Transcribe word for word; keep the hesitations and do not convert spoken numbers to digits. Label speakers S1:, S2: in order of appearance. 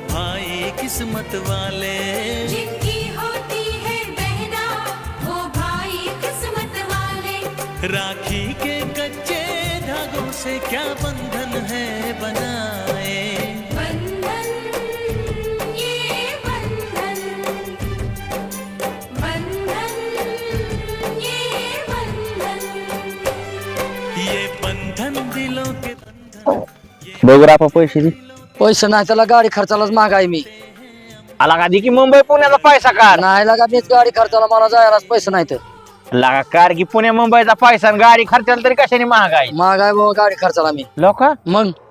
S1: भाई किस्मत वाले,
S2: जिनकी होती है बहना वो भाई किस्मत वाले।
S1: राखी के कच्चे धागों से क्या बंधन है बनाए,
S2: बंधन ये बंधन, बंधन ये बंधन,
S1: ये बंधन दिलों के बंधन।
S3: बघ रापा पैसे दे.
S4: पैसे नाही त्याला गाडी खर्चालाच महागाई मी
S3: आला का दे की मुंबई पुण्याचा पैसा काढ.
S4: नाही लागा मीच गाडी खर्चाला मला जायलाच पैसे नाही तर
S3: लागा कार की पुणे मुंबईचा पैसा आणि गाडी खर्चाला तरी कशाने महागाई.
S4: महागाई बाबा गाडी खर्चाला मी
S3: लोक
S4: मग